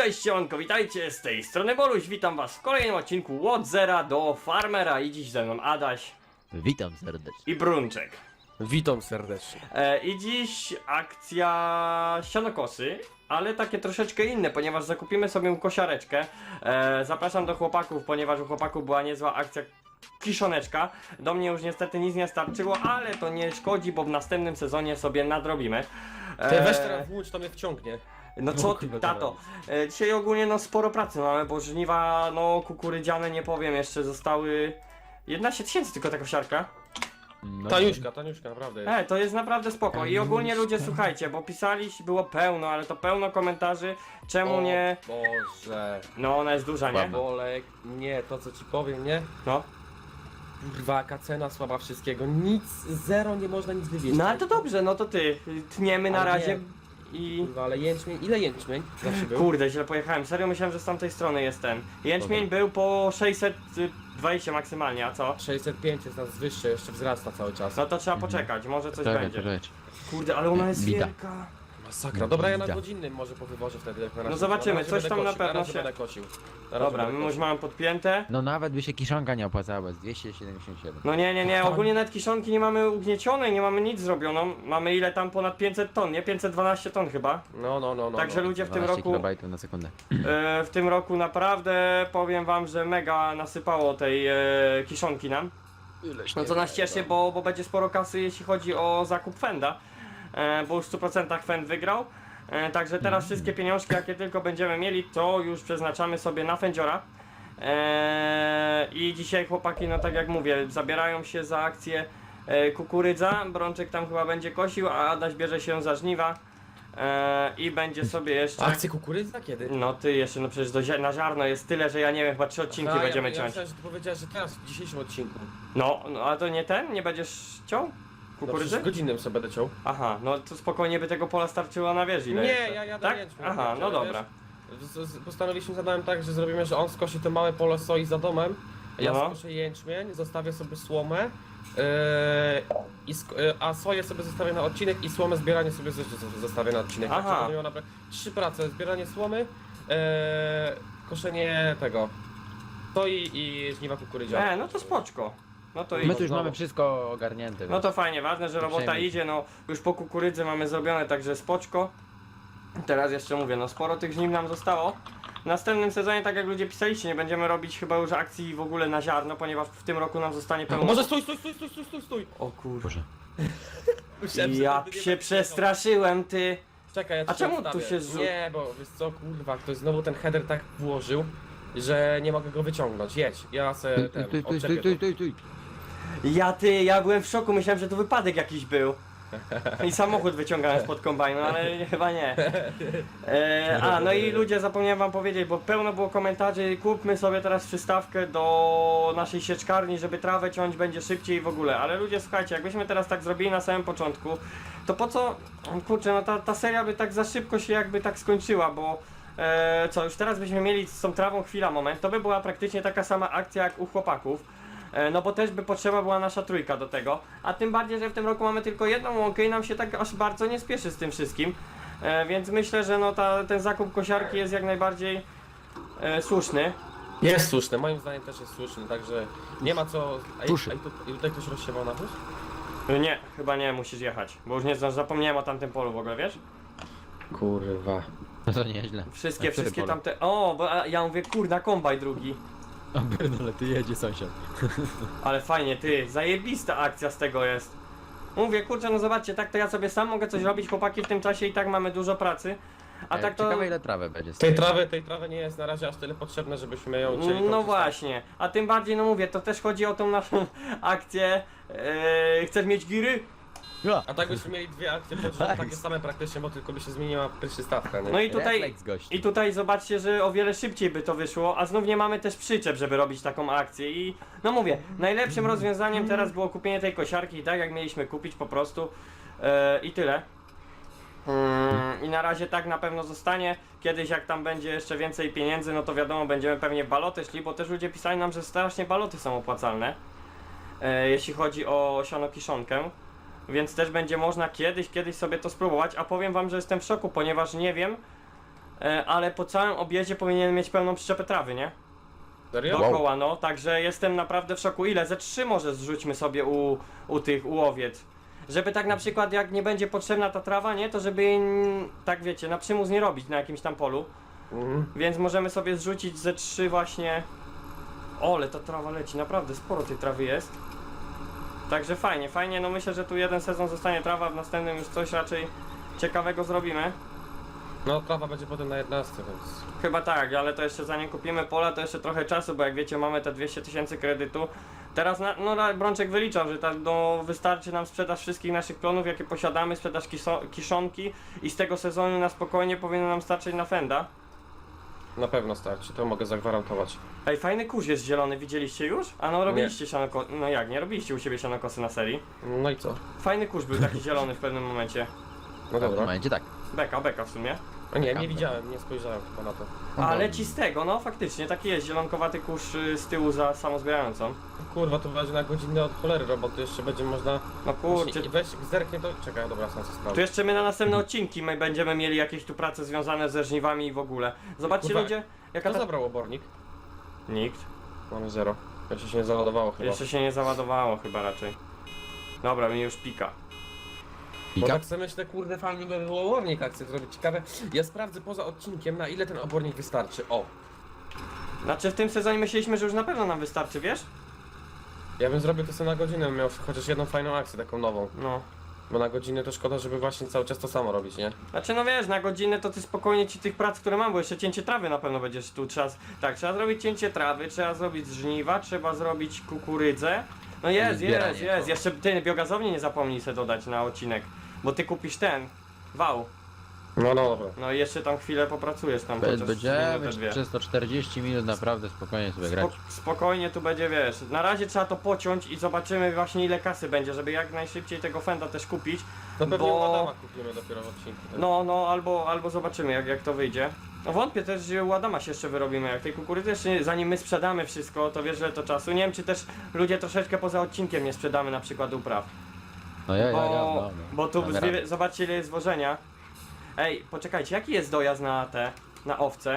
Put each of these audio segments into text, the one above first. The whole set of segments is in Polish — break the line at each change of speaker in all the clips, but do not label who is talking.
Cześć siemanko, witajcie, z tej strony Boluś, witam was w kolejnym odcinku od zera do farmera i dziś ze mną Adaś
Witam serdecznie.
i Brunczek.
Witam serdecznie.
I dziś akcja sianokosy, ale takie troszeczkę inne, ponieważ zakupimy sobie kosiareczkę. Zapraszam do chłopaków, ponieważ u chłopaków była niezła akcja kiszoneczka. Do mnie już niestety nic nie starczyło, ale to nie szkodzi, bo w następnym sezonie sobie nadrobimy.
Ty weź teraz włócz, to mnie wciągnie.
No co ty, tato? Dzisiaj ogólnie no sporo pracy mamy, bo żniwa no kukurydziane nie powiem, jeszcze zostały 11 tysięcy tylko ta kosiarka.
No,
Taniuszka, naprawdę jest.
To jest naprawdę spoko i ogólnie ludzie słuchajcie, bo pisali, było pełno, ale to pełno komentarzy, czemu nie...
Boże.
No ona jest duża, nie?
Bolek, nie, to co ci powiem, nie?
No.
Kurwa, jaka cena słaba wszystkiego, nic, zero, nie można nic wywieźć.
No ale to dobrze, no to ty, tniemy na
Ale
razie
nie.
i...
Kurwa, ale jęczmień, ile jęczmień zawsze był?
Kurde, źle pojechałem, serio myślałem, że z tamtej strony jest ten. Jęczmień był po 620 maksymalnie, a co?
605 jest nas wyższe, jeszcze wzrasta cały czas.
No to trzeba poczekać, może coś
Czekaj,
będzie.
czekaj.
Kurde, ale ona jest
Bita.
wielka.
Masakra. Dobra, ja na
Widzę.
godzinnym może powywożę wtedy. Jak na razie.
No zobaczymy,
Na razie
coś
będę
tam na
kosił,
pewno
razie
się-
będę kosił. Na razie
Dobra,
będę
my już
kosił.
mamy podpięte.
No nawet by się kiszonka nie opłacała, z 277.
No nie, ogólnie nawet kiszonki nie mamy ugniecionej, nie mamy nic zrobioną. Mamy ile tam ponad 500 ton, nie? 512 ton chyba.
No.
Także ludzie w tym
12
roku,
kilobajtów na sekundę.
w tym roku naprawdę powiem wam, że mega nasypało tej kiszonki nam. No co nas cieszy, bo będzie sporo kasy jeśli chodzi o zakup Fenda. Bo już w 100% Fend wygrał. Także teraz wszystkie pieniążki jakie tylko będziemy mieli, to już przeznaczamy sobie na Fendziora. I dzisiaj chłopaki, no tak jak mówię, zabierają się za akcję kukurydza. Brączek tam chyba będzie kosił, a Adaś bierze się za żniwa. I będzie sobie jeszcze...
Akcje kukurydza kiedy?
No ty jeszcze, no przecież na ziarno jest tyle, że ja nie wiem, chyba 3 odcinki będziemy
ja
ciąć.
myślałem, że ty powiedziałeś, że teraz w dzisiejszym odcinku.
No, a to nie ten? Nie będziesz ciął?
No
Kukurydzy?
przecież godzinnym sobie będę ciął.
Aha, no to spokojnie by tego pola starczyło na wieży. ile
Nie,
jeszcze.
ja jadę
Tak?
jęczmień.
Aha, no dobra.
Postanowiliśmy, zadałem tak, że zrobimy, że on skosi to małe pole soi za domem, ja
No.
skoszę jęczmień, zostawię sobie słomę, a soję sobie zostawię na odcinek i słomę zbieranie sobie zostawię na odcinek.
Aha.
Tak, żeby miał naprawdę 3 prace, zbieranie słomy, koszenie tego, soi i żniwa kukurydziane.
No to spoczko. No to
My
idź.
tu już mamy wszystko ogarnięte.
No to fajnie, ważne, że robota
Przejmuj się.
idzie, no już po kukurydzy mamy zrobione, także spoczko. Teraz jeszcze mówię, no sporo tych żniw nam zostało. W następnym sezonie, tak jak ludzie pisaliście, nie będziemy robić chyba już akcji w ogóle na ziarno, ponieważ w tym roku nam zostanie pełno...
Może stój!
O kurwa.
Boże.
Myślałem, że
Ja
nigdy nie
się
będzie
przestraszyłem, ty.
Czekaj, ja ci
A czemu
odstawię.
tu się zrzu-
Nie, bo wiesz co, kurwa, ktoś znowu ten header tak włożył, że nie mogę go wyciągnąć. Jedź, ja se ten, odczepię to.
Ja byłem w szoku, myślałem, że to wypadek jakiś był. I samochód wyciągałem spod kombajnu, ale chyba nie. No i ludzie, zapomniałem wam powiedzieć, bo pełno było komentarzy, kupmy sobie teraz przystawkę do naszej sieczkarni, żeby trawę ciąć będzie szybciej w ogóle. Ale ludzie, słuchajcie, jakbyśmy teraz tak zrobili na samym początku, to po co, kurczę, no ta seria by tak za szybko się jakby tak skończyła, bo co, już teraz byśmy mieli z tą trawą chwila, moment, to by była praktycznie taka sama akcja jak u chłopaków. No bo też by potrzeba była nasza trójka do tego, a tym bardziej, że w tym roku mamy tylko jedną łąkę i nam się tak aż bardzo nie spieszy z tym wszystkim, więc myślę, że no ten zakup kosiarki jest jak najbardziej słuszny.
Jest słuszny, moim zdaniem też jest słuszny, także nie ma co...
Tuszy.
A tutaj ktoś rozsiewał nawóz?
Nie, chyba nie, musisz jechać, bo już nie zdążysz, zapomniałem o tamtym polu w ogóle, wiesz?
Kurwa.
No to nieźle.
Wszystkie
A które pole?
tamte, bo ja mówię, kurna, kombaj drugi.
O pierdolę, ty jedzie sąsiad.
Ale fajnie, ty, zajebista akcja z tego jest. Mówię, kurczę, no zobaczcie, tak to ja sobie sam mogę coś robić, chłopaki w tym czasie i tak mamy dużo pracy. A tak to...
Ciekawe ile trawę będzie.
Tej trawy nie jest na razie aż tyle potrzebne, żebyśmy ją chcieli
No
korzystać.
właśnie, a tym bardziej, no mówię, to też chodzi o tą naszą akcję. Chcesz mieć giry?
Ja.
A tak byśmy mieli dwie akcje pod rząd, takie same praktycznie, bo tylko by się zmieniła przystawka, nie?
No i tutaj,
Refleks gości.
i tutaj zobaczcie, że o wiele szybciej by to wyszło, a znów nie mamy też przyczep, żeby robić taką akcję i no mówię, najlepszym rozwiązaniem teraz było kupienie tej kosiarki i tak jak mieliśmy kupić po prostu i tyle. I na razie tak na pewno zostanie. Kiedyś jak tam będzie jeszcze więcej pieniędzy, no to wiadomo, będziemy pewnie w baloty szli, bo też ludzie pisali nam, że strasznie baloty są opłacalne, jeśli chodzi o sianokiszonkę. Więc też będzie można kiedyś sobie to spróbować, a powiem wam, że jestem w szoku, ponieważ nie wiem, ale po całym objeździe powinien mieć pełną przyczepę trawy, nie?
Serio?
Dookoła, no, także jestem naprawdę w szoku. Ile? Ze 3 może zrzućmy sobie u owiec. Żeby tak na przykład jak nie będzie potrzebna ta trawa, nie? To żeby jej, tak wiecie, na przymus nie robić na jakimś tam polu.
Mhm.
Więc możemy sobie zrzucić ze 3 właśnie. Ole, ta trawa leci, naprawdę sporo tej trawy jest. Także fajnie, fajnie, no myślę, że tu jeden sezon zostanie trawa, w następnym już coś raczej ciekawego zrobimy.
No trawa będzie potem na 11, więc...
Chyba tak, ale to jeszcze zanim kupimy pola, to jeszcze trochę czasu, bo jak wiecie mamy te 200 000 kredytu. Teraz Brączek wyliczał, że tak wystarczy nam sprzedaż wszystkich naszych klonów, jakie posiadamy, sprzedaż kiszonki i z tego sezonu na spokojnie powinno nam starczyć na Fenda.
Na pewno starczy, to mogę zagwarantować.
Ej, fajny kurz jest zielony, widzieliście już? A no robiliście sianokosy, no jak, nie robiliście u siebie sianokosy na serii?
No i co?
Fajny kurz był taki zielony w pewnym momencie.
No
W tym
dobra.
momencie tak.
Beka w sumie.
A nie widziałem, nie spojrzałem chyba na to.
A leci z tego, no faktycznie, taki jest zielonkowaty kurz z tyłu za samozbierającą.
Kurwa, to będzie na godzinę od cholery roboty, jeszcze będzie można...
No kurczę,
Właśnie, weź, zerknie to... Czekaj, dobra, sam sobie
tu
sprawdzę.
jeszcze my na następne odcinki my będziemy mieli jakieś tu prace związane ze żniwami i w ogóle. Zobaczcie
Kurwa,
ludzie, jaka
Kto
ta...
zabrał obornik?
Nikt.
Mamy 0. Jeszcze się nie załadowało chyba.
Jeszcze się nie załadowało chyba raczej. Dobra, mi już pika.
Bo
Pika?
tak sobie myślę, kurde, fajnie by było obornik akcję zrobić. Ciekawe, ja sprawdzę poza odcinkiem, na ile ten obornik wystarczy. O,
Znaczy w tym sezonie myśleliśmy, że już na pewno nam wystarczy, wiesz?
ja bym zrobił to sobie na godzinę, bym miał chociaż jedną fajną akcję, taką nową.
No.
Bo na godzinę to szkoda, żeby właśnie cały czas to samo robić, nie?
Znaczy no wiesz, na godzinę to ty spokojnie ci tych prac, które mam, bo jeszcze cięcie trawy na pewno będziesz tu tak, trzeba zrobić cięcie trawy, trzeba zrobić żniwa, trzeba zrobić kukurydzę. No jest,
zbieranie,
jest,
to.
jeszcze ty biogazownię nie zapomnij sobie dodać na odcinek, bo ty kupisz ten, wał,
No dobra.
no i jeszcze tam chwilę popracujesz tam chociaż
Będziemy
minutę, dwie.
przez to 40 minut naprawdę spokojnie sobie grać.
Spokojnie tu będzie, wiesz, na razie trzeba to pociąć i zobaczymy właśnie ile kasy będzie, żeby jak najszybciej tego Fenda też kupić.
To pewnie
Bo-
u Adama kupimy dopiero w odcinku. tak?
No, albo zobaczymy jak to wyjdzie. No wątpię też, że u Adama się jeszcze wyrobimy, jak tej kukurydzy jeszcze zanim my sprzedamy wszystko, to wiesz, że to czasu. Nie wiem, czy też ludzie troszeczkę poza odcinkiem nie sprzedamy na przykład upraw.
No no.
Bo tu
Damy radę.
zobaczcie ile jest zwożenia. Ej, poczekajcie, jaki jest dojazd na owce?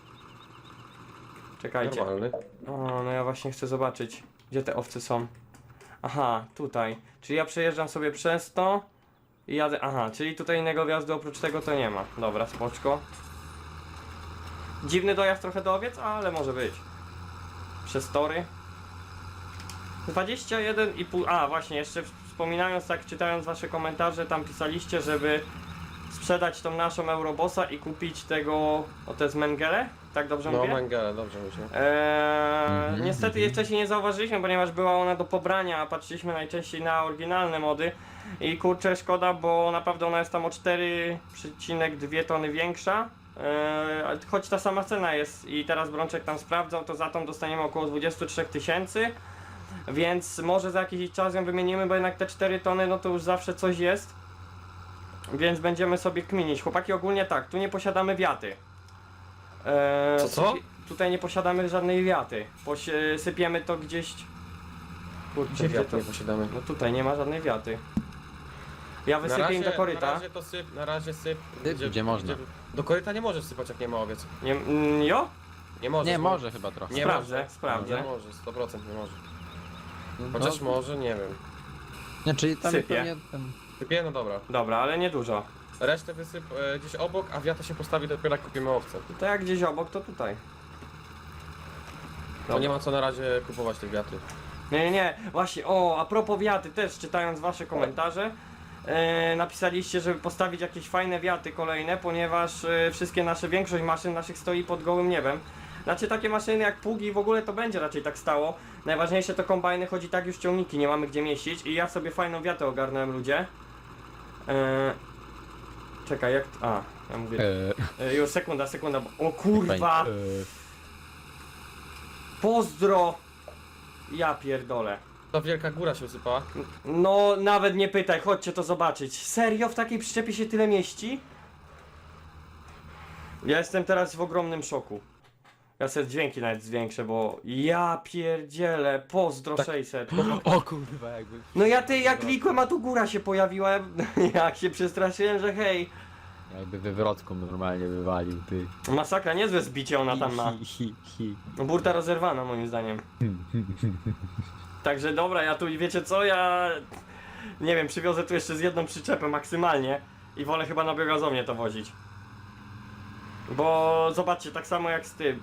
Czekajcie.
Normalny.
O, no ja właśnie chcę zobaczyć, gdzie te owce są. Aha, tutaj. Czyli ja przejeżdżam sobie przez to i jadę. Aha, czyli tutaj innego wjazdu oprócz tego to nie ma. Dobra, spoczko. Dziwny dojazd trochę do owiec, ale może być. Przez tory. 21,5. A, właśnie, jeszcze wspominając, tak czytając wasze komentarze, tam pisaliście, żeby sprzedać tą naszą Eurobossa i kupić tego. O, to jest Mengele? Tak dobrze
No
mówię?
Mengele, dobrze myślę.
Niestety jej wcześniej nie zauważyliśmy, ponieważ była ona do pobrania, a patrzyliśmy najczęściej na oryginalne mody i kurczę szkoda, bo naprawdę ona jest tam o 4,2 tony większa, choć ta sama cena jest i teraz Brączek tam sprawdzał, to za tą dostaniemy około 23 000, więc może za jakiś czas ją wymienimy, bo jednak te 4 tony no to już zawsze coś jest, więc będziemy sobie kminić. Chłopaki, ogólnie tak, tu nie posiadamy wiaty.
Co?
Tutaj nie posiadamy żadnej wiaty. Sypiemy to gdzieś. Kurczę,
Gdzie
gdzie
wiatr
to?
nie posiadamy?
No tutaj nie ma żadnej wiaty. Ja wysypię im do
Na
koryta.
razie to syp, na razie syp.
Gdzie można.
Do koryta nie możesz sypać jak nie ma owiec.
Nie, jo?
Nie możesz.
Nie,
bo-
może chyba trochę.
Nie
Sprawdzę,
może.
sprawdzę.
Nie może, 100% nie może.
No,
Chociaż może, nie wiem.
Nie, czyli tam
Sypie.
pewnie ten...
Sypie, no dobra.
Dobra, ale nie dużo.
Resztę wysyp gdzieś obok, a wiatr się postawi dopiero jak kupimy owce.
To jak gdzieś obok, to tutaj.
To nie ma co na razie kupować tych wiatrów.
Nie. Właśnie, o, a propos wiaty, też czytając wasze komentarze, napisaliście, żeby postawić jakieś fajne wiaty kolejne, ponieważ wszystkie większość maszyn naszych stoi pod gołym niebem. Znaczy takie maszyny jak pługi w ogóle to będzie raczej tak stało. Najważniejsze to kombajny, chodzi tak już ciągniki, nie mamy gdzie mieścić i ja sobie fajną wiatę ogarnąłem, ludzie. Czekaj, jak... A, ja mówię... Już sekunda, bo... O kurwa! Pozdro! Ja pierdolę.
Ta wielka góra się usypała.
No, nawet nie pytaj, chodźcie to zobaczyć. Serio w takiej przyczepie się tyle mieści? Ja jestem teraz w ogromnym szoku. Ja sobie dźwięki nawet zwiększę, bo ja pierdzielę, pozdro
Tak.
600.
O kurwa, jakby...
No ja jak klikłem, a tu góra się pojawiła, jak się przestraszyłem, że hej.
Jakby wywrotką normalnie wywalił, ty.
Masakra, niezłe zbicie ona tam ma. No burta rozerwana moim zdaniem. Także dobra, ja tu wiecie co, ja nie wiem, przywiozę tu jeszcze z jedną przyczepę maksymalnie i wolę chyba na biogazownię to wozić. Bo zobaczcie, tak samo jak z tym.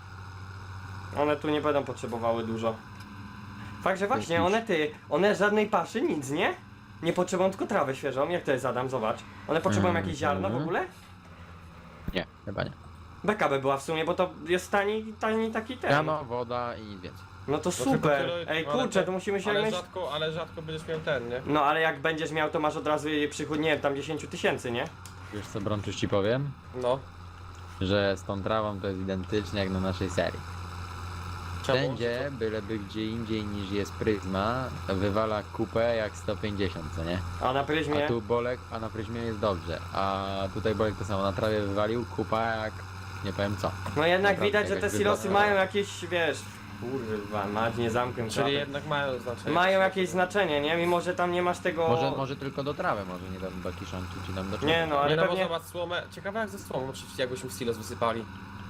One tu nie będą potrzebowały dużo. Fakt, że właśnie one żadnej paszy, nic, nie? Nie potrzebują tylko trawę świeżą, jak to jest Adam, zobacz. One potrzebują jakieś ziarno w ogóle?
Nie, chyba nie.
Beka by była w sumie, bo to jest tani taki ten.
Rano, woda i nic więcej.
No to
tylko
super.
tyle,
Ej
ale
kurczę, to musimy się mieć.
Ale rzadko będziesz miał ten, nie?
No ale jak będziesz miał, to masz od razu przychód, nie wiem, tam 10 000, nie?
Wiesz co, Brączuś, ci powiem?
No.
Że z tą trawą to jest identycznie jak na naszej serii.
Czemu?
Wszędzie, byleby gdzie indziej niż jest pryzma, wywala kupę jak 150, co nie?
A na pryzmie?
A tu Bolek, a na pryzmie jest dobrze. A tutaj Bolek to samo na trawie wywalił, kupa jak nie powiem co.
No jednak
Naprawdę
widać, że te
jakaś
silosy
wywalona.
mają jakieś, wiesz... Kurwa, mać nie zamknę
Czyli
klapy.
jednak mają znaczenie.
Mają jakieś znaczenie, nie? Mimo, że tam nie masz tego...
Może tylko do trawy, może nie tam do kiszonki, czy tam do
Nie no, ale
Nie no, bo
pewnie...
zobacz słomę. Ciekawe jak ze słomą, przecież jakbyśmy silos wysypali.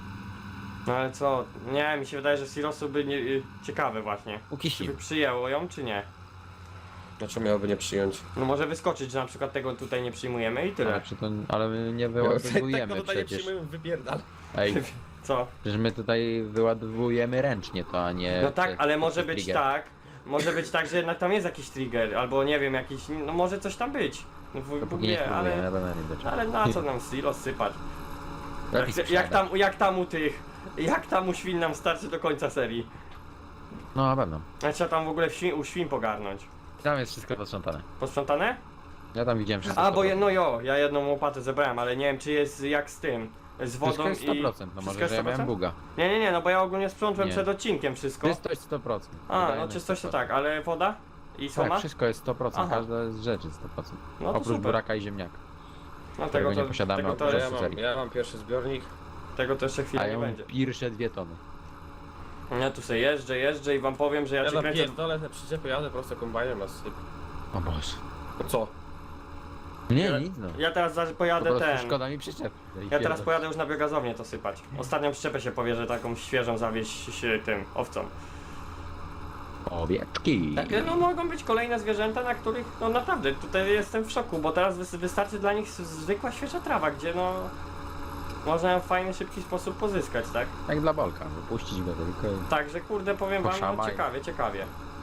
No ale co? Nie, mi się wydaje, że silosy by nie... ciekawe właśnie. Czy
Ukiśnił.
by przyjęło ją, czy nie?
Dlaczego miałoby nie przyjąć?
No może wyskoczyć, że na przykład tego tutaj nie przyjmujemy i tyle.
Ale my nie
Tak,
wyładowujemy
no tutaj nie
przecież.
przyjmujemy, wypierdal.
Ej,
Co?
przecież my tutaj wyładowujemy ręcznie to, a nie...
No tak,
przez-
ale może
przez
być
trigger.
tak, może być tak, że jednak tam jest jakiś trigger, albo nie wiem, jakiś, no może coś tam być. No
Dopóki nie
nie,
spróbujemy,
ale,
na pewno nie będzie.
ale na co nam silos sypać?
Lepiej
Jak tam u tych, jak tam u świn nam starczy do końca serii?
No na pewno.
A trzeba tam w ogóle u świn pogarnąć.
Tam jest wszystko posprzątane.
Posprzątane?
Ja tam widziałem wszystko.
A, bo
100%.
ja jedną łopatę zebrałem, ale nie wiem czy jest jak z tym, z wodą
Wszystko jest 100%,
i...
no
Wszystko
może,
jest
że ja miałem
100%?
buga.
Nie, no bo ja ogólnie sprzątłem
Nie.
przed odcinkiem wszystko.
Czystość 100%.
A,
Wydajność
no czystość to
100%.
tak, ale woda? I słoma?
Tak, wszystko jest 100%,
Aha.
każda z rzeczy 100%.
No to
Oprócz
super.
buraka i ziemniaka.
No
którego nie posiadamy
tego
oprócz
to,
serii.
Ja mam pierwszy zbiornik.
tego to jeszcze
A
chwilę
ja
nie
mam
będzie.
pierwsze 2 tony.
Ja tu sobie jeżdżę i wam powiem, że ja
Ja
cię kręcę...
napierdolę te przyczepy, jadę prosto kombajnem na syp.
O Boże.
No co?
Nie, nic no.
Ja teraz
Po
pojadę
prostu
ten...
szkoda mi przyczep.
Ja teraz pojadę już na biogazownię to sypać. Ostatnią przyczepę się powierzę taką świeżą zawieźć się tym owcom.
Owieczki.
Takie no mogą być kolejne zwierzęta, na których no naprawdę tutaj jestem w szoku, bo teraz wystarczy dla nich zwykła świeża trawa, gdzie no można ją w fajny, szybki sposób pozyskać, tak?
Jak dla Bolka, wypuścić go tylko.
Także kurde powiem wam, no
Poszamaj.
ciekawie.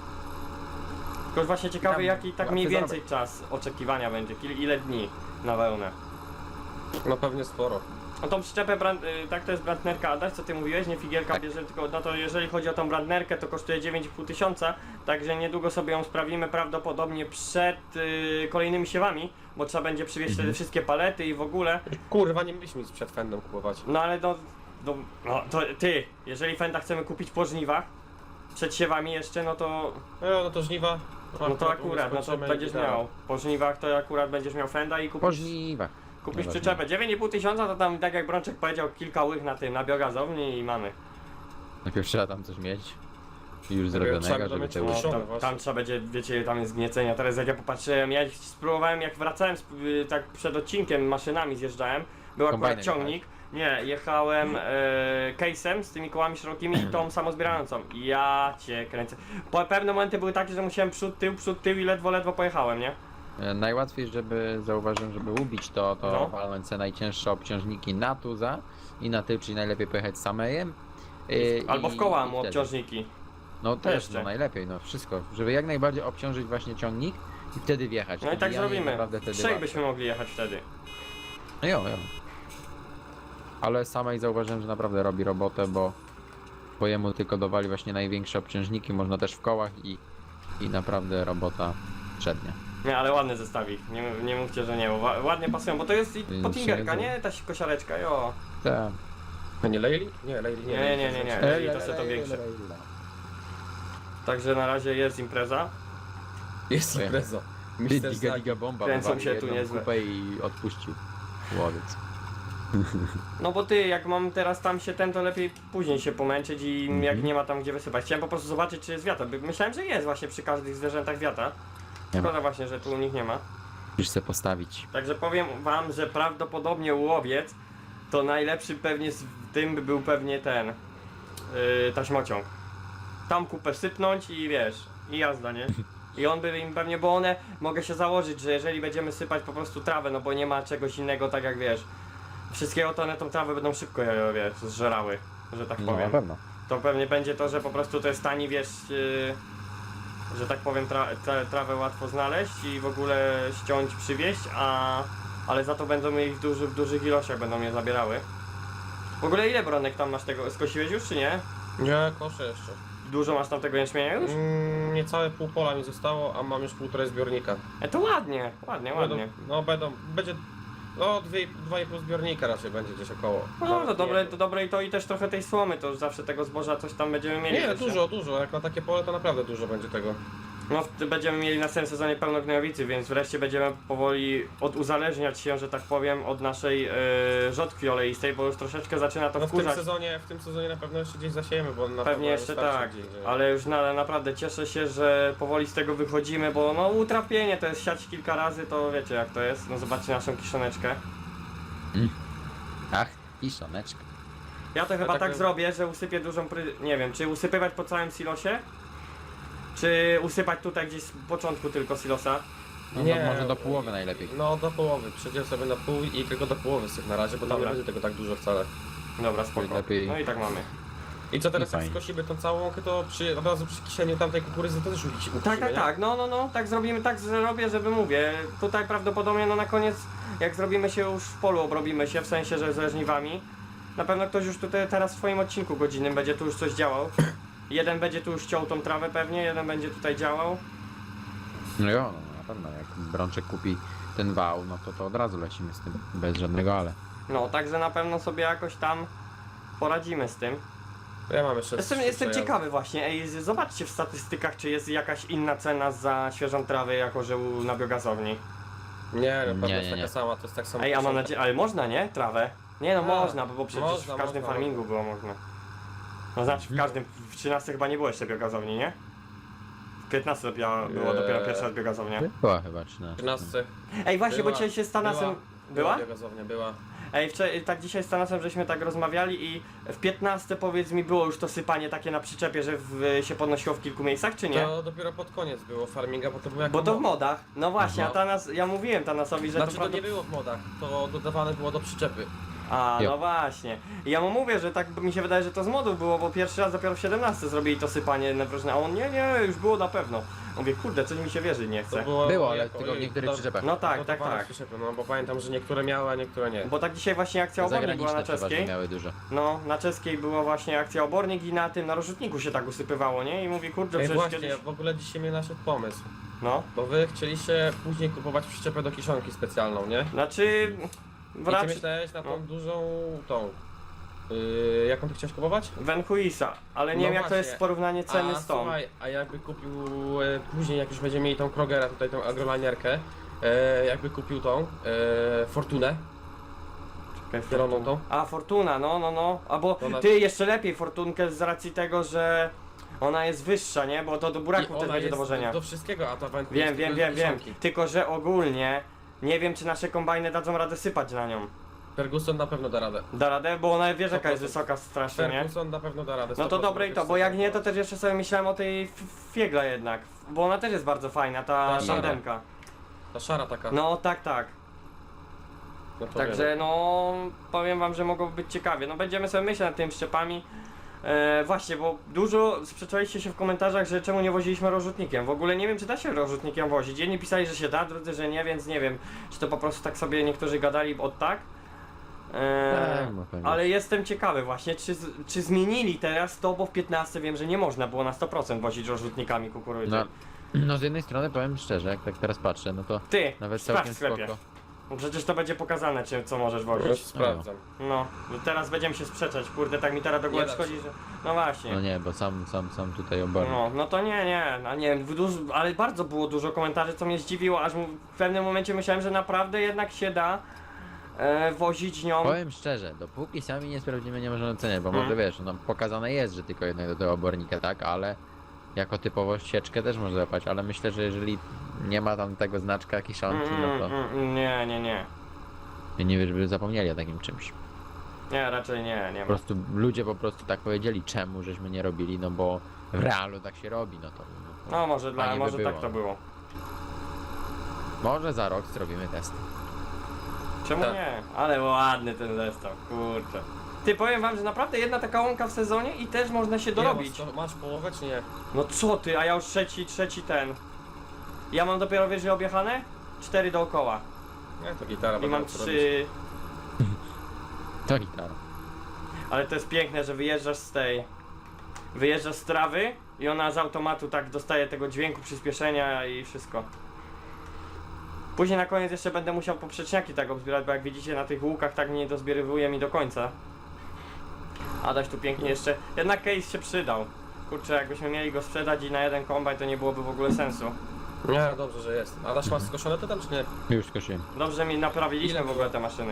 Tylko właśnie ciekawy
Tam
jaki tak
łatwy
mniej więcej czas oczekiwania będzie, ile dni na wełnę.
No pewnie sporo.
No tą przyczepę, tak to jest Brandnerka, Adaś, co ty mówiłeś, nie figielka
Tak.
bierze, tylko no to jeżeli chodzi o tą Brandnerkę, to kosztuje 9,5 tysiąca, także niedługo sobie ją sprawimy prawdopodobnie przed kolejnymi siewami, bo trzeba będzie przywieźć wtedy wszystkie palety i w ogóle,
Kurwa, nie mieliśmy nic przed fendem kupować.
no ale no to ty, jeżeli Fenda chcemy kupić po żniwach, przed siewami jeszcze, no to
No to żniwa.
akurat, no to
skończymy
będziesz
i tak.
miał, po żniwach to akurat będziesz miał Fenda i
Po
kupisz
żniwach.
Kupisz
Nieważne.
przyczepę 9,5 tysiąca, to tam tak jak Brączek powiedział, kilka łych na tym, na biogazowni i mamy.
Najpierw trzeba tam coś mieć. Już
trzeba
zrobionego,
by
żeby
mieć
te
no,
łóżka.
Szone
tam,
właśnie.
tam trzeba będzie, wiecie, tam jest gniecenia. Teraz jak ja popatrzyłem, ja spróbowałem, jak wracałem, tak przed odcinkiem maszynami zjeżdżałem, był akurat
Kombajnem
ciągnik. Nie, jechałem case'em z tymi kołami szerokimi i tą samozbierającą. Ja cię kręcę. Pewne momenty były takie, że musiałem przód, tył i ledwo pojechałem, nie?
Najłatwiej, żeby zauważyłem, żeby ubić to
No.
walnąć te najcięższe obciążniki na tuza i na tył, czyli najlepiej pojechać samejem.
Albo w koła
i
mu
wtedy.
obciążniki.
No też,
Jeszcze.
no najlepiej, no wszystko, żeby jak najbardziej obciążyć właśnie ciągnik i wtedy wjechać.
No i tak
Wbijanie
zrobimy.
naprawdę wtedy
Trzech
łatwe.
byśmy mogli jechać wtedy.
No jo. Ale samej zauważyłem, że naprawdę robi robotę, bo jemu tylko dowali właśnie największe obciążniki, można też w kołach i naprawdę robota przednia.
Nie, ale ładny zestawik, nie mówcie, że nie, bo ładnie pasują, bo to jest i potingerka, nie? Ta kosiareczka, jo.
Tak.
A nie Leili? Nie, Leili nie.
Nie. Leili to sobie to większe. Także na razie jest impreza.
Jest
Ojej.
impreza.
Ty,
Mister
diga
Zagi.
diga bomba,
Kręcą
wywalił
się tu
jedną
niezłe.
kupę i odpuścił. Łowiec.
No bo ty, jak mam teraz tam się to lepiej później się pomęczyć i jak nie ma tam gdzie wysypać. Chciałem po prostu zobaczyć, czy jest wiata. Myślałem, że jest właśnie przy każdych zwierzętach wiata.
Nie ma.
Szkoda właśnie, że tu u nich nie ma.
Musisz se postawić.
Także powiem wam, że prawdopodobnie łowiec to najlepszy pewnie z tym by był pewnie ten taśmociąg. Tam kupę sypnąć i wiesz, i jazda, nie? I on by im pewnie, bo one, mogę się założyć, że jeżeli będziemy sypać po prostu trawę, no bo nie ma czegoś innego, tak jak wiesz, wszystkiego, to one tą trawę będą szybko, wiesz, zżerały, że tak
No, na
powiem.
pewno.
To pewnie będzie to, że po prostu to jest tani, wiesz, że tak powiem, trawę łatwo znaleźć i w ogóle ściąć, przywieźć, ale za to będą mieli w dużych ilościach, będą je zabierały. W ogóle ile, Bronek, tam masz tego, skosiłeś już czy nie?
Nie, koszę jeszcze.
Dużo masz tam tego jęczmienia już?
Niecałe pół pola mi zostało, a mam już 1,5 zbiornika.
To ładnie, ładnie, ładnie.
Będzie, no 2,5 zbiornika raczej będzie gdzieś około.
No
Nawet
to dobre,
nie.
to dobre i to i też trochę tej słomy, to już zawsze tego zboża coś tam będziemy mieli.
Nie,
też,
dużo, jak na takie pole to naprawdę dużo będzie tego.
No będziemy mieli na następnym sezonie pełno gnojowicy, więc wreszcie będziemy powoli uzależniać się, że tak powiem, od naszej rzodkwi oleistej, bo już troszeczkę zaczyna to
No
wkurzać.
w tym sezonie na pewno jeszcze gdzieś zasiejemy, bo na
Pewnie
pewno
jeszcze
starczy
tak,
gdzieś,
ale już naprawdę cieszę się, że powoli z tego wychodzimy, bo no utrapienie to jest siać kilka razy, to wiecie jak to jest, no zobaczcie naszą kiszoneczkę.
Ach, i szoneczka.
Ja to chyba
tak
tak
bym-
zrobię, że usypię dużą nie wiem, czy usypywać po całym silosie, czy usypać tutaj gdzieś z początku tylko silosa.
No,
Nie.
no, może do połowy najlepiej.
No do połowy, przejdziemy sobie na pół i tylko do połowy syf na razie, bo tam
Dobra.
nie będzie tego tak dużo wcale.
Dobra, spoko.
Lepiej.
No i tak mamy.
I co teraz
I
jak
fajnie.
skosimy tą całą łąkę, to od razu przy kisieniu tamtej kukurydzy to też ucisimy,
Tak, no, tak zrobimy, tak zrobię, żeby mówię, tutaj prawdopodobnie no na koniec, jak zrobimy się już w polu, obrobimy się, w sensie, że ze żniwami, na pewno ktoś już tutaj teraz w swoim odcinku godzinnym będzie tu już coś działał. Jeden będzie tu już ciął tą trawę pewnie, jeden będzie tutaj działał.
No jo, no, na pewno. Jak Brączek kupi ten wał, no to od razu lecimy z tym. Bez żadnego ale.
No, także na pewno sobie jakoś tam poradzimy z tym.
Ja mam jeszcze
Jestem
przejazdy.
ciekawy właśnie, ej, zobaczcie w statystykach, czy jest jakaś inna cena za świeżą trawę jako że na biogazowni.
Nie, na pewno
Nie,
jest
nie,
taka
nie.
sama, to jest tak samo.
Ej, a mam nadzieję, ale można, nie? Trawę? Nie no,
A,
można, bo przecież
można,
w każdym
można.
farmingu było można. No znaczy w każdym, w 13 chyba nie było jeszcze biogazowni, nie? W 15 było dopiero pierwsza biogazownia.
Była chyba 13.
13.
Ej, właśnie, bo
Była,
dzisiaj się z Tanasem... Była?
Biogazownia była.
Ej, tak dzisiaj z Tanasem żeśmy tak rozmawiali i w 15 powiedz mi było już to sypanie takie na przyczepie, że się podnosiło w kilku miejscach, czy nie?
To dopiero pod koniec było farminga, bo to było jak
Bo to w modach. No właśnie, a
No.
Tanas, ja mówiłem Tanasowi, że
Znaczy
to
to nie było w modach, to dodawane było do przyczepy.
A,
Jo.
no właśnie. I ja mu mówię, że tak mi się wydaje, że to z modów było, bo pierwszy raz dopiero w 17 zrobili to sypanie na wróżne, a on nie, już było na pewno. Mówię, kurde, coś mi się wierzyć nie
To
chce.
Było, ale
jako-
tylko w niektórych przyczepach.
No tak,
dodawane
tak.
Przyczepy, no bo pamiętam, że niektóre miały, a niektóre nie.
Bo tak dzisiaj właśnie akcja obornik była
Zagraniczne
na
przeważnie
czeskiej.
miały dużo.
No, na czeskiej była właśnie akcja obornik i na tym, na rozrzutniku się tak usypywało, nie? I mówi, kurde,
Ej,
przecież
właśnie,
kiedyś...
w ogóle dzisiaj mnie naszedł pomysł.
No,
Bo wy chcieliście później kupować przyczepę do kiszonki specjalną, nie?
znaczy...
I ty
Raczej...
myślałeś na tą
no.
dużą, tą... jaką ty chciałeś kupować?
Venhuisa, ale nie
No
wiem jak to jest
właśnie.
porównanie ceny z tą.
Słuchaj, a jakby kupił później, jak już będziemy mieli tą Krogera, tutaj tą agrolanierkę, jakby kupił tą Fortunę,
Czekaj,
zieloną tą.
A, Fortuna, no. Albo
To na-
ty jeszcze lepiej Fortunkę z racji tego, że ona jest wyższa, nie? Bo to do
I
buraków też
ona
będzie
jest
dowożenia.
do wszystkiego, a ta Vancouver
Wiem,
jest
wiem,
tylko do
wiem.
kiszonki.
Tylko, że ogólnie nie wiem, czy nasze kombajny dadzą radę sypać na nią.
Ferguson na pewno da radę.
Da radę, bo ona wiesz jaka jest
100%.
wysoka strasznie, nie?
Ferguson na pewno da radę.
No to
100%
dobre i to, bo jak nie, to też jeszcze sobie myślałem o tej fiegla jednak. Bo ona też jest bardzo fajna, ta
Ta
tandemka.
Ta szara taka.
No tak.
No to
Także
wiem.
no powiem wam, że mogło być ciekawie. No będziemy sobie myśleć nad tymi szczepami. Właśnie, bo dużo sprzeczaliście się w komentarzach, że czemu nie woziliśmy rozrzutnikiem. W ogóle nie wiem, czy da się rozrzutnikiem wozić. Jedni pisali, że się da, drudzy, że nie, więc nie wiem, czy to po prostu tak sobie niektórzy gadali od tak.
Tak, no pewnie.
Ale jestem ciekawy właśnie, czy zmienili teraz to, bo w 15 wiem, że nie można było na 100% wozić rozrzutnikami kukurydzy.
No z jednej strony powiem szczerze, jak tak teraz patrzę, no to
Ty,
nawet
sprawdź
całkiem
w sklepie.
spoko.
Bo przecież to będzie pokazane, co możesz
Już
wozić.
sprawdzam.
No, teraz będziemy się sprzeczać, kurde, tak mi teraz do głowy
Nie da
przychodzi,
się.
że... No właśnie.
No nie, bo sam tutaj obornik.
No to nie, no nie wiem, ale bardzo było dużo komentarzy, co mnie zdziwiło, aż w pewnym momencie myślałem, że naprawdę jednak się da wozić nią.
Powiem szczerze, dopóki sami nie sprawdzimy, nie możemy oceniać, bo
Mhm.
może wiesz, no pokazane jest, że tylko jednak do tego obornika, tak, ale jako typowo sieczkę też można złapać, ale myślę, że jeżeli nie ma tam tego znaczka kiszonki, no to
Nie.
ja nie wiem, żeby zapomnieli o takim czymś.
Nie, raczej nie
Po
ma.
prostu ludzie po prostu tak powiedzieli, czemu żeśmy nie robili, no bo w realu tak się robi, no to...
No może,
fajnie by
może
było.
tak to było.
Może za rok zrobimy test.
Czemu
Tak.
nie? Ale ładny ten zestaw, kurczę. Ty, powiem wam, że naprawdę jedna taka łąka w sezonie i też można się dorobić.
Masz połowę czy nie?
No co ty, a ja już trzeci ten. Ja mam dopiero, wiesz, że objechane? 4 dookoła.
Nie, to gitara.
I
będę
mam
mógł robić.
3.
To gitara.
Ale to jest piękne, że wyjeżdżasz z tej. Wyjeżdżasz z trawy i ona z automatu tak dostaje tego dźwięku, przyspieszenia i wszystko. Później na koniec jeszcze będę musiał poprzeczniaki tak obzbierać, bo jak widzicie na tych łukach tak nie dozbierywuje mi do końca. Adaś tu pięknie jeszcze. Jednak case się przydał. Kurczę, jakbyśmy mieli go sprzedać i na jeden kombajn, to nie byłoby w ogóle sensu.
Nie, dobrze, że jest. A dasz masz skoszone to tam czy nie?
Już skosiłem.
Dobrze, że mi naprawiliśmy
Ile
w ogóle te maszyny.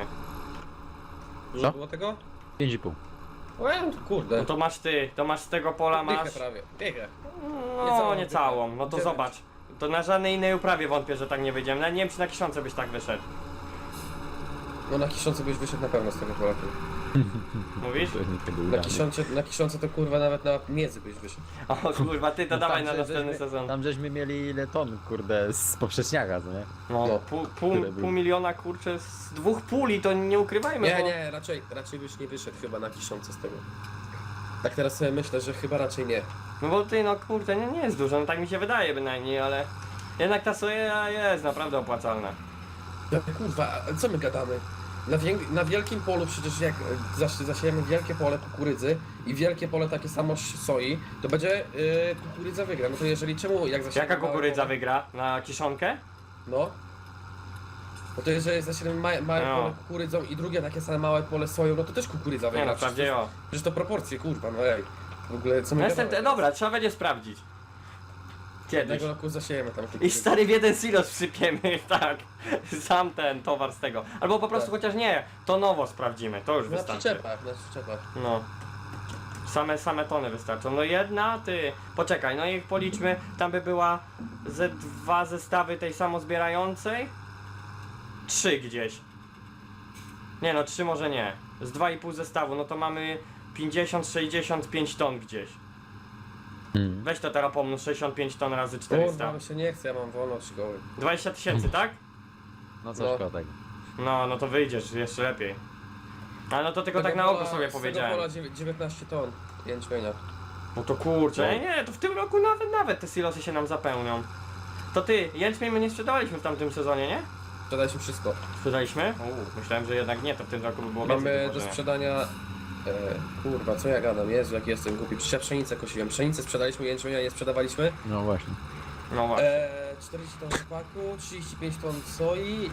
Dużo
Co?
było tego?
5,5.
No kurde.
No to masz ty, to masz z tego pola
Dychę
masz.
prawie. Dychę.
No
Niecałą
nie całą,
dychę.
no to
9.
zobacz. To na żadnej innej uprawie wątpię, że tak nie wyjdziemy. Nawet nie wiem, czy na Kiszonce byś tak wyszedł.
No na Kiszonce byś wyszedł na pewno z tego pola.
Mówisz?
To jest nie tego
Na Kiszonce to kurwa nawet na miedzy byś wyszedł.
O kurwa, ty to
No
dawaj
tam,
na
że-
następny
żeśmy-
sezon.
Tam żeśmy mieli ile ton, kurde, z poprzeczniaka, co nie?
No,
No.
Tyle było.
pół miliona kurczę z 2 puli, to nie ukrywajmy,
Nie,
bo...
nie, raczej byś nie wyszedł chyba na Kiszonce z tego. Tak teraz sobie myślę, że chyba raczej nie.
No bo ty, no kurde, nie jest dużo, no tak mi się wydaje bynajmniej, ale... Jednak ta soja jest naprawdę opłacalna.
No, kurwa, a co my gadamy? Na wielkim polu przecież jak zasiejemy wielkie pole kukurydzy i wielkie pole takie samo soi, to będzie kukurydza wygra. No to jeżeli czemu jak zasiejemy
Jaka
małe
kukurydza
pole-
wygra? Na Kiszonkę?
No. No to jeżeli zasiejemy małe
No.
pole kukurydzą i drugie takie same małe pole soją, no to też kukurydza wygra.
Nie no,
Przecież
wprawdzie
to-
jo.
Przecież to proporcje, kurwa, no ej. W ogóle co my
Następne, dobra, trzeba będzie sprawdzić. Kiedyś.
Jednego roku zasiejemy tam
I
kukurydzę.
stary w jeden silos wsypiemy, tak. Sam ten towar z tego. Albo po prostu
Tak.
chociaż nie, to nowo sprawdzimy, to już
Na
wystarczy.
przyczepach.
No. Same tony wystarczą. No jedna, ty. Poczekaj, no i policzmy, tam by była ze 2 zestawy tej samozbierającej. 3 gdzieś. Nie no, 3 może nie. Z 2,5 zestawu, no to mamy 50-65 ton gdzieś. Weź to teraz pomnóż 65 ton razy
Kurwa,
400.
mi się nie chce, ja mam wolno od szkoły.
20 tysięcy, tak?
No co
No.
szkoda tego.
No to wyjdziesz jeszcze lepiej. Ale no to tylko tak na oko sobie powiedziałem.
Z tego pola 19 ton jęczmienia.
No to kurczę,
No.
nie, to w tym roku nawet te silosy się nam zapełnią. To ty, jęczmień my nie sprzedawaliśmy w tamtym sezonie, nie?
Sprzedaliśmy wszystko.
Sprzedaliśmy? Myślałem, że jednak nie, to w tym roku by było więcej
Mamy do
wywożenia.
sprzedania... kurwa, co ja gadam? Jezu, jak jestem głupi. Przecież ja pszenicę kosiłem. Pszenicę sprzedaliśmy, jęczmienia nie sprzedawaliśmy.
No właśnie.
No właśnie.
40 ton rzepaku, 35 ton soi,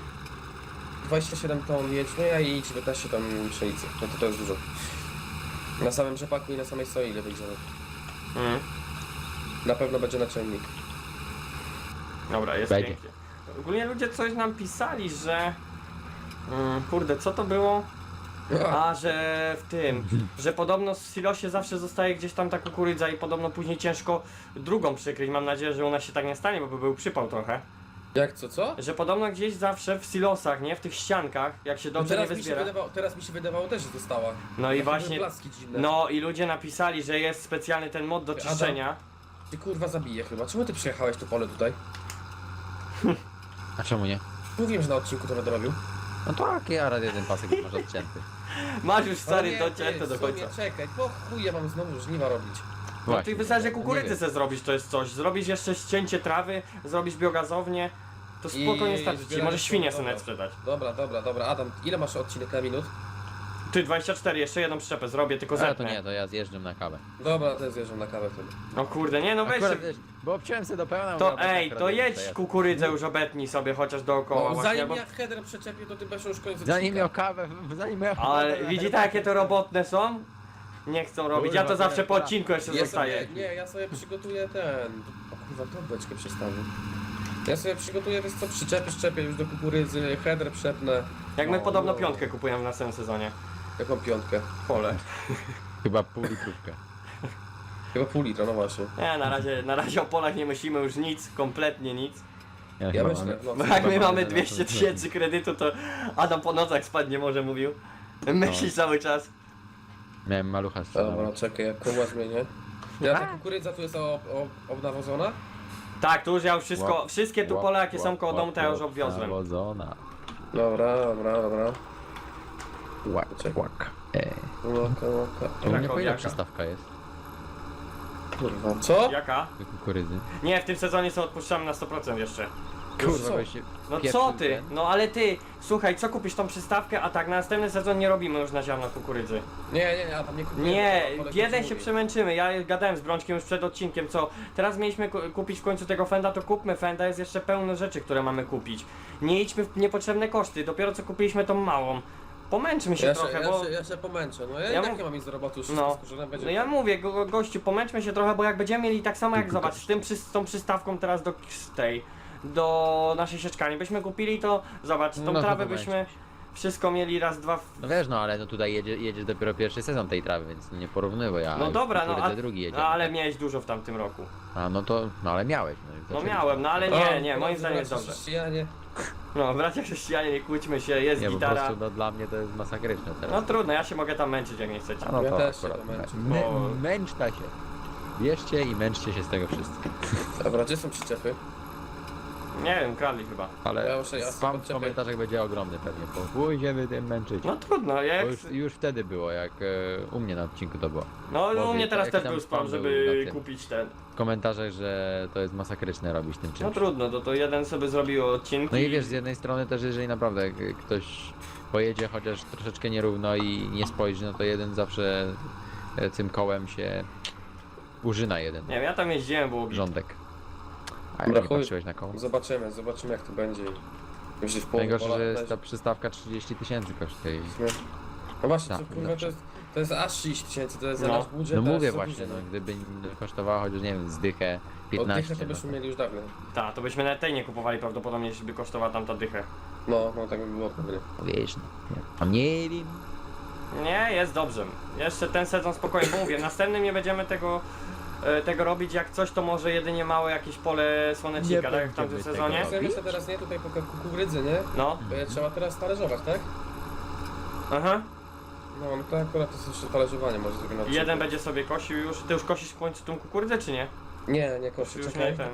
27 ton jęczmienia i 19 ton pszenicy. No to jest dużo. Na samym rzepaku i na samej soi ile wyjdziemy.
Mhm.
Na pewno będzie naczelnik.
Dobra, jest
Będzie.
pięknie. Ogólnie ludzie coś nam pisali, że... kurde, co to było? A, że w tym, że podobno w silosie zawsze zostaje gdzieś tam ta kukurydza i podobno później ciężko drugą przykryć. Mam nadzieję, że u nas się tak nie stanie, bo by był przypał trochę.
Jak co?
Że podobno gdzieś zawsze w silosach, nie? W tych ściankach, jak się dobrze nie wyzbiera.
Teraz mi się wydawało też, że została.
No i
Takie
właśnie,
były blaski dziwne.
no i ludzie napisali, że jest specjalny ten mod do
Adam.
czyszczenia.
Ty kurwa zabiję chyba. Czemu ty przyjechałeś to pole tutaj?
A czemu nie?
Mówiłem, że na odcinku to będę robił.
No tak, ja rad jeden pasek już masz odcięty.
Masz już stary
Ale nie,
docięte
ty,
do
w sumie
końca.
Czekaj, po chuj ja mam znowu żniwa robić.
No
Właśnie.
ty wystarczy
Nie
kukurydzy
wiem.
se zrobić, to jest coś. Zrobisz jeszcze ścięcie trawy, zrobisz biogazownię. To spokojnie
I
starczy ci,
zbieranie
może świnie
słomy,
sobie nawet
dobra.
sprzedać.
Dobra. Adam, ile masz odcinek na minut?
Ty 24, jeszcze jedną przyczepę zrobię, tylko
Ale to
zetnę.
nie, to ja zjeżdżam na kawę.
Dobra, to zjeżdżam na kawę wtedy.
No kurde, nie no weź
Akurat,
się.
wiesz, bo obciąłem sobie do pełna.
To
mówię,
ej,
akurat
to
jest
jedź
przejazd.
kukurydzę już obetnij sobie chociaż dookoła
No,
właśnie,
zanim
bo...
ja header przeczepię, to ty będziesz już koniec
Zanim
odcinka.
miał kawę, zanim miał
Ale widzi tak jakie to robotne są? Nie chcą robić, ja to
Kurwa,
zawsze po
tak.
odcinku jeszcze
Ja
zostaję.
sobie, nie, ja sobie przygotuję ten... O kurwa, to beczkę przestawię. Ja sobie przygotuję, wiesz co, szczepię już do kukurydzy, header przepnę.
Jak my
No,
podobno
no.
piątkę kupujemy w następnym sezonie.
Jaką piątkę?
Pole.
chyba pół litrówkę.
Chyba pół litra, no właśnie.
Nie, na razie o polach nie myślimy już nic, kompletnie nic.
Ja
chyba
myślę,
mam-
no.
Bo jak my
Chyba
mamy
mamy
200 tysięcy kredytu, to Adam po nocach spać nie może, mówił. Myśli cały czas.
Miałem malucha z
Dobra, czekaj, jak koła zmienię. Ja ta kukurydza tu jest obnawożona?
Tak, tu już ja już wszystkie tu pola jakie są koło domu, to ja już obwiozłem.
Nawodzona.
Dobra.
Łak,
Czekaj.
łak.
Łaka.
To u mnie po ile
Krakowiaka.
przystawka jest?
Kurwa, co?
Jaka?
Do kukurydzy.
Nie, w tym sezonie są odpuszczamy na 100% jeszcze.
Kurwa,
co?
weź się
No
pieprzył
co ty?
ten.
No ale ty, słuchaj, co kupisz tą przystawkę, a tak na następny sezon nie robimy już na ziarno kukurydzy.
Nie, ja tam nie kupuję.
Nie,
ale
jeden
to
się
mówię.
przemęczymy. Ja gadałem z Brączkiem już przed odcinkiem, co teraz mieliśmy kupić w końcu tego Fenda, to kupmy Fenda, jest jeszcze pełno rzeczy, które mamy kupić. Nie idźmy w niepotrzebne koszty, dopiero co kupiliśmy tą małą. Pomęczmy się trochę, bo...
Ja się pomęczę, no ja
Ja
i tak
mów-
nie mam nic do roboty, już
No,
wszystko skurzone będzie.
no ja mówię, gościu, pomęczmy się trochę, bo jak będziemy mieli tak samo jak zobacz, z tą przystawką teraz do naszej sieczkani byśmy kupili, to zobacz, tą
No to
trawę
pomęczmy
byśmy wszystko mieli raz, dwa...
No wiesz, no ale no tutaj jedziesz dopiero pierwszy sezon tej trawy, więc no nie porównywaj, a
No dobra, no
kukurydzę drugi jedzie.
ale miałeś dużo w tamtym roku.
A no to, no ale miałeś. No, i
No
zaczęliśmy.
miałem, no ale
O,
nie, moim
drodzy
zdaniem jest
bracia
dobrze.
chrześcijanie.
No, bracia chrześcijanie, nie kłóćmy się, jest
Nie, po
gitara.
prostu no, dla mnie to jest masakryczne teraz.
No trudno, ja się mogę tam męczyć jak nie chcecie.
A no
Ja
to
też się
akurat.
pomęczę.
Bo-
Męczta się. Bierzcie i męczcie się z tego wszyscy.
Dobra, gdzie są przyczepy?
Nie wiem, kradli chyba.
Ale
Ja muszę- ja
spam w
sobie
komentarzach będzie ogromny pewnie, bo pójdziemy tym męczyć.
No trudno, jak...
Bo już wtedy było, jak u mnie na odcinku to było.
No u mnie teraz
jak
też
tam
był spam,
spam
żeby
był na tym.
kupić ten.
W komentarzach, że to jest masakryczne robić tym
No
czymś.
trudno, to jeden sobie zrobił odcinki.
No i wiesz, z jednej strony też jeżeli naprawdę ktoś pojedzie chociaż troszeczkę nierówno i nie spojrzy, no to jeden zawsze tym kołem się użyna jeden
Nie wiem, ja tam jeździłem, było
rządek. A
Dobra,
jak nie
chuj.
patrzyłeś na koło?
Zobaczymy jak to będzie. Jeśli w połowie
Najgorsze,
pola
że
będzie-
jest ta przystawka 30 tysięcy kosztuje.
No właśnie,
Tak,
co, kurwa,
dobrze.
to jest aż 30 tysięcy, to jest
No.
za nasz budżet.
No
to
mówię
jest za
właśnie,
dużo,
no gdyby kosztowała chociaż nie wiem, zdychę
Od
15.
dychę to byśmy
no
mieli już dawno.
Tak, to byśmy nawet tej nie kupowali prawdopodobnie, jeśli by kosztowała tamta dychę.
No, tak by było pewnie.
to wiesz, no. A nie wiem.
Nie, jest dobrze. Jeszcze ten sezon spokojnie, bo mówię, następnym nie będziemy tego robić, jak coś to może jedynie małe jakieś pole słonecznika,
Nie
tak jak w tamtym
będziemy
sezonie.
tego
Zajmę się teraz nie tutaj po kukurydzy, nie?
No,
Bo je trzeba teraz talerzować, tak?
aha.
No to akurat to jest jeszcze talerzowanie, może zrobię na odcinku.
Jeden będzie sobie kosił już. Ty już kosisz w końcu tą kukurydzę, czy nie?
Nie koszy,
Już
czekaj.
nie ten.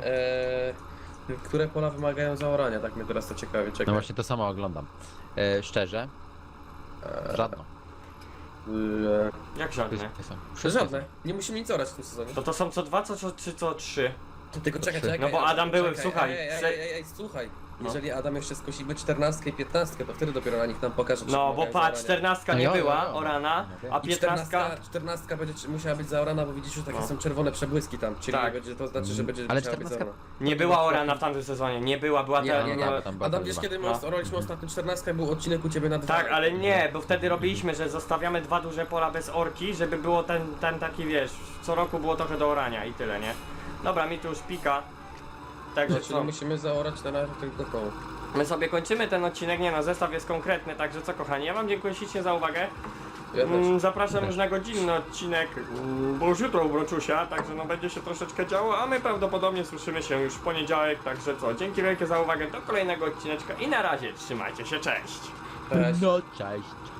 Które pola wymagają zaorania, tak mnie teraz to ciekawi, czekaj.
No właśnie to samo oglądam. Szczerze, żadno.
Jak żadne?
Wszystkie są.
Żadne, nie musimy nic orać w tym sezonie.
To są co dwa, co trzy, co trzy.
Tylko czekaj, czekaj.
No bo Adam był- słuchaj,
Ej, słuchaj.
No.
Jeżeli Adam jeszcze skosimy 14 i 15, to wtedy dopiero na nich nam pokaże, czy
No bo
wymagają
patrz,
zaorania.
14
No
nie
jo,
była
jo, jo.
orana,
No
a
I
15.
14 będzie musiała być zaorana, bo widzisz, że takie
No.
są czerwone przebłyski tam, czyli
Tak.
będzie, to znaczy, że będzie
Ale
musiała być
14
zaorana.
Nie była orana w tamtym sezonie, nie była
Nie,
ta...
nie,
no,
nie.
tam była
Adam,
ta
wiesz
liczba.
kiedy my
No.
oraliśmy ostatnio 14, był odcinek u ciebie na 2.
Tak, ale nie, bo wtedy robiliśmy, że zostawiamy dwa duże pola bez orki, żeby było ten taki, wiesz, co roku było trochę do orania i tyle, nie? Dobra, mi tu już pika. Także
Czyli
co?
musimy zaorać na razie tylko tą.
My sobie kończymy ten odcinek, nie no, zestaw jest konkretny, także co kochani, ja wam dziękuję ślicznie za uwagę.
Ja też.
Zapraszam już na godzinny odcinek, bo już jutro u Broczusia, także no będzie się troszeczkę działo, a my prawdopodobnie słyszymy się już w poniedziałek, także co, dzięki wielkie za uwagę, do kolejnego odcineczka i na razie, trzymajcie się, cześć!
Cześć.
No cześć.